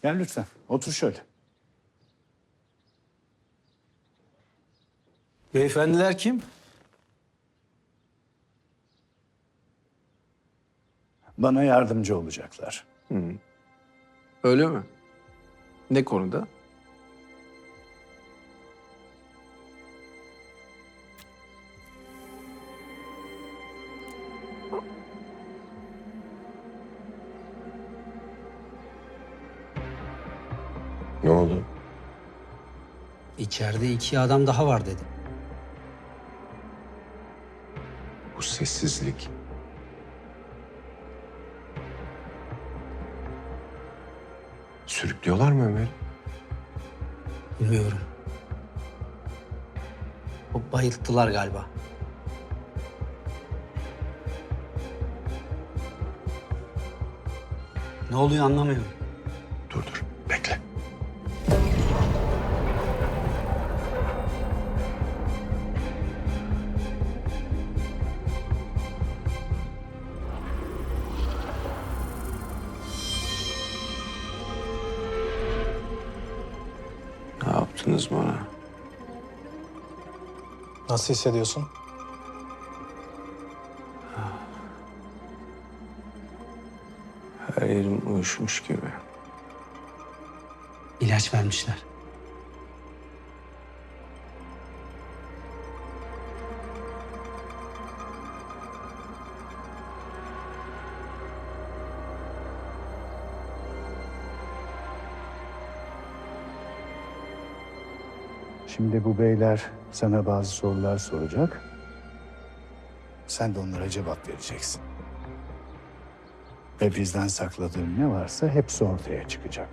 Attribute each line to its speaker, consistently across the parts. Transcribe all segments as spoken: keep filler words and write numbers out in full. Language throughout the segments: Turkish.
Speaker 1: Gel lütfen. Otur şöyle.
Speaker 2: Beyefendiler kim?
Speaker 1: Bana yardımcı olacaklar.
Speaker 2: Öyle mi? Ne konuda?
Speaker 3: Ne oldu?
Speaker 4: İçeride iki adam daha var dedi.
Speaker 3: Bu sessizlik. Sürüklüyorlar mı Ömer?
Speaker 4: Bilmiyorum. O bayılttılar galiba. Ne oluyor anlamıyorum.
Speaker 3: Dur dur, bekle. Ne yaptınız bana?
Speaker 5: Nasıl hissediyorsun?
Speaker 3: Her yerim uyuşmuş gibi.
Speaker 4: İlaç vermişler.
Speaker 1: Şimdi bu beyler sana bazı sorular soracak. Sen de onlara cevap vereceksin. Ve bizden sakladığın ne varsa hepsi ortaya çıkacak.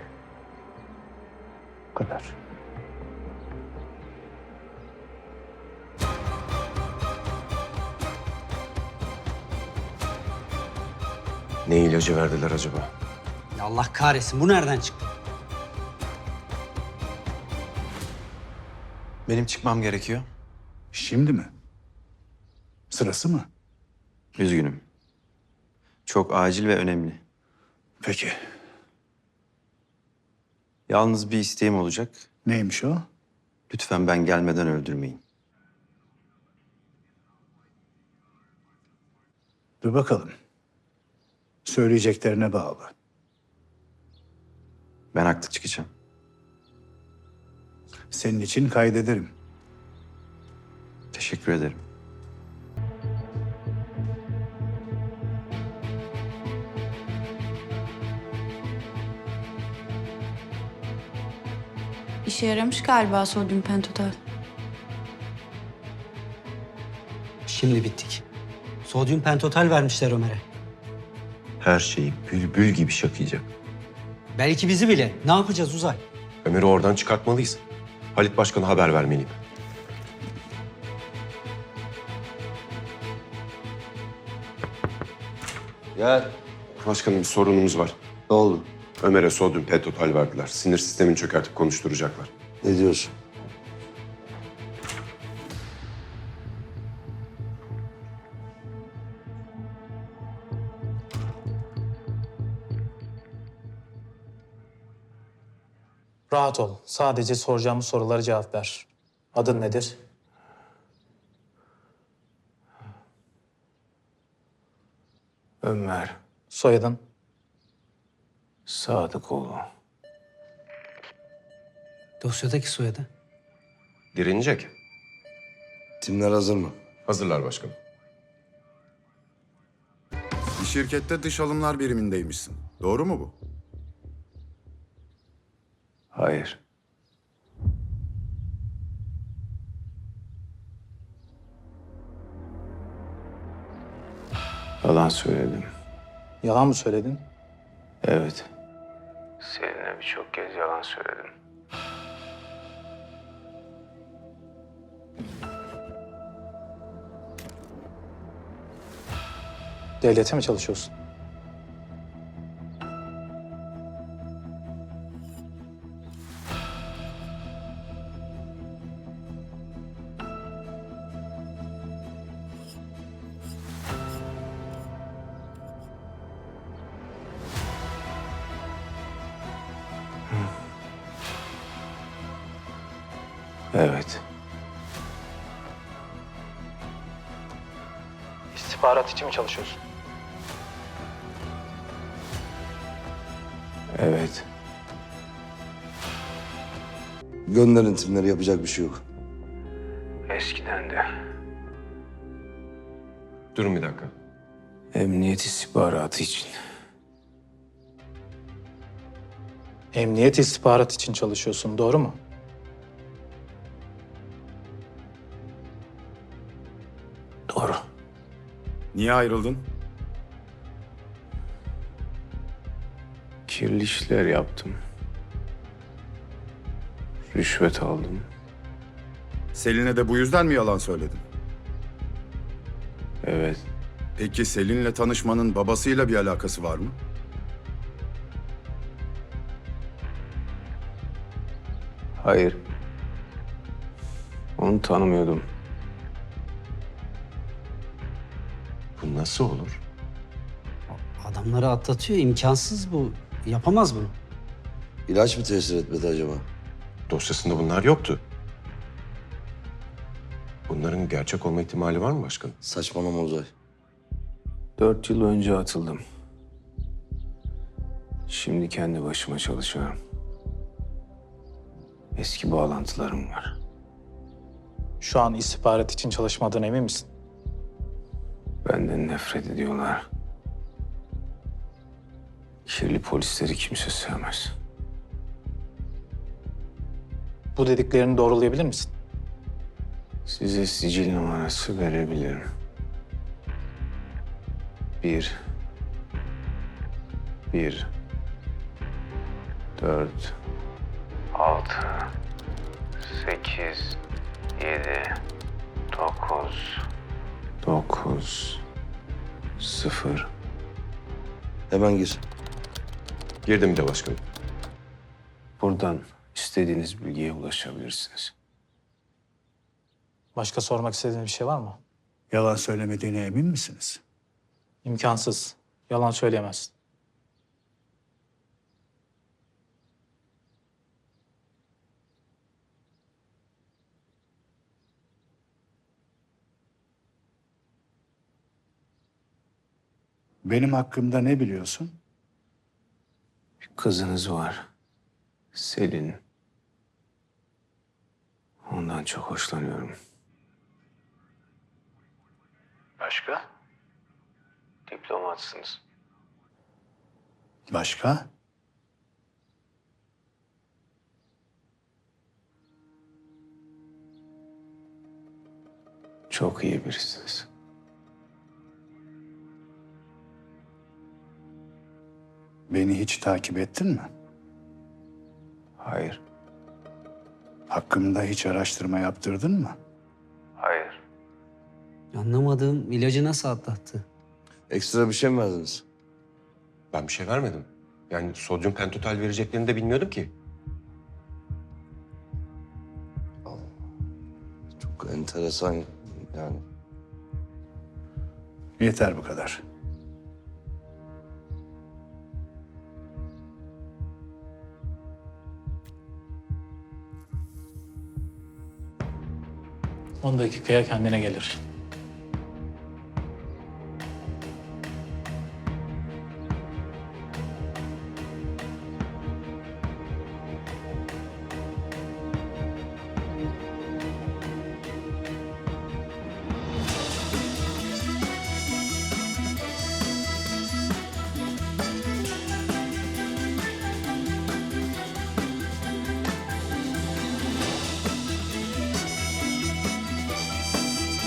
Speaker 1: Bu kadar.
Speaker 3: Ne ilacı verdiler acaba?
Speaker 4: Ya Allah kahretsin, bu nereden çıktı?
Speaker 6: Benim çıkmam gerekiyor.
Speaker 1: Şimdi mi? Sırası mı?
Speaker 6: Üzgünüm. Çok acil ve önemli.
Speaker 1: Peki.
Speaker 6: Yalnız bir isteğim olacak.
Speaker 1: Neymiş o?
Speaker 6: Lütfen ben gelmeden öldürmeyin.
Speaker 1: Dur bakalım. Söyleyeceklerine bağlı.
Speaker 6: Ben haklı çıkacağım.
Speaker 1: Senin için kaydederim.
Speaker 6: Teşekkür ederim.
Speaker 7: İşe yaramış galiba sodyum pentotal.
Speaker 4: Şimdi bittik. Sodyum pentotal vermişler Ömer'e.
Speaker 3: Her şeyi bülbül gibi şakıyacak.
Speaker 4: Belki bizi bile. Ne yapacağız Uzay?
Speaker 3: Ömer'i oradan çıkartmalıyız. Halit Başkan'a haber vermeliyim.
Speaker 8: Gel.
Speaker 3: Başkanım bir sorunumuz var.
Speaker 8: Ne oldu?
Speaker 3: Ömer'e sodyum pentotal verdiler. Sinir sistemini çökertip konuşturacaklar.
Speaker 8: Ne diyorsun?
Speaker 5: Rahat ol. Sadece soracağımız sorulara cevap ver. Adın nedir?
Speaker 3: Ömer
Speaker 5: Soyadın?
Speaker 3: Sadıkoğlu.
Speaker 4: Dosyadaki soyadı.
Speaker 3: Direnecek.
Speaker 8: Timler hazır mı?
Speaker 3: Hazırlar başkanım.
Speaker 9: Bir şirkette dış alımlar birimindeymişsin. Doğru mu bu?
Speaker 3: Hayır. Yalan söyledim.
Speaker 5: Yalan mı söyledin?
Speaker 3: Evet. Seninle birçok kez yalan söyledim.
Speaker 5: Devlete mi çalışıyorsun?
Speaker 2: Evet.
Speaker 5: İstihbarat için mi çalışıyorsun?
Speaker 2: Evet.
Speaker 8: Gönderin timleri, yapacak bir şey yok.
Speaker 2: Eskiden de.
Speaker 3: Durun bir dakika.
Speaker 2: Emniyet istihbaratı için.
Speaker 5: Emniyet istihbarat için çalışıyorsun, doğru mu?
Speaker 2: Doğru.
Speaker 9: Niye ayrıldın?
Speaker 2: Kirli işler yaptım. Rüşvet aldım.
Speaker 9: Selin'e de bu yüzden mi yalan söyledin?
Speaker 2: Evet.
Speaker 9: Peki Selin'le tanışmanın babasıyla bir alakası var mı?
Speaker 2: Hayır. Onu tanımıyordum.
Speaker 3: Bu nasıl olur?
Speaker 4: Adamları atlatıyor. İmkansız bu. Yapamaz bunu.
Speaker 8: İlaç mı tesir etmedi acaba?
Speaker 3: Dosyasında bunlar yoktu. Bunların gerçek olma ihtimali var mı başkanım?
Speaker 8: Saçmalama Uzay.
Speaker 2: Dört yıl önce atıldım. Şimdi kendi başıma çalışıyorum. Eski bağlantılarım var.
Speaker 5: Şu an istihbarat için çalışmadığına emin misin?
Speaker 2: Benden nefret ediyorlar. Kirli polisleri kimse sevmez.
Speaker 5: Bu dediklerini doğrulayabilir misin?
Speaker 2: Size sicil numarası verebilirim. Bir. Bir. Dört. Altı. Sekiz. Yedi. Dokuz. Dokuz. Sıfır.
Speaker 8: Hemen gir.
Speaker 3: Girdim de başkanım.
Speaker 2: Buradan istediğiniz bilgiye ulaşabilirsiniz.
Speaker 5: Başka sormak istediğin bir şey var mı?
Speaker 1: Yalan söylemediğine emin misiniz?
Speaker 5: İmkansız. Yalan söyleyemezsin.
Speaker 1: Benim hakkımda ne biliyorsun?
Speaker 2: Bir kızınız var. Selin. Ondan çok hoşlanıyorum. Başka? Diplomatsınız.
Speaker 1: Başka?
Speaker 2: Çok iyi birisiniz.
Speaker 1: Beni hiç takip ettin mi?
Speaker 2: Hayır.
Speaker 1: Hakkımda hiç araştırma yaptırdın mı?
Speaker 2: Hayır.
Speaker 4: Anlamadığım ilacı nasıl atlattı?
Speaker 8: Ekstra bir şey mi verdiniz?
Speaker 3: Ben bir şey vermedim. Yani sodyum pentotal vereceklerini de bilmiyordum ki.
Speaker 8: Çok enteresan yani.
Speaker 1: Yeter bu kadar.
Speaker 5: On dakikaya kendine gelir.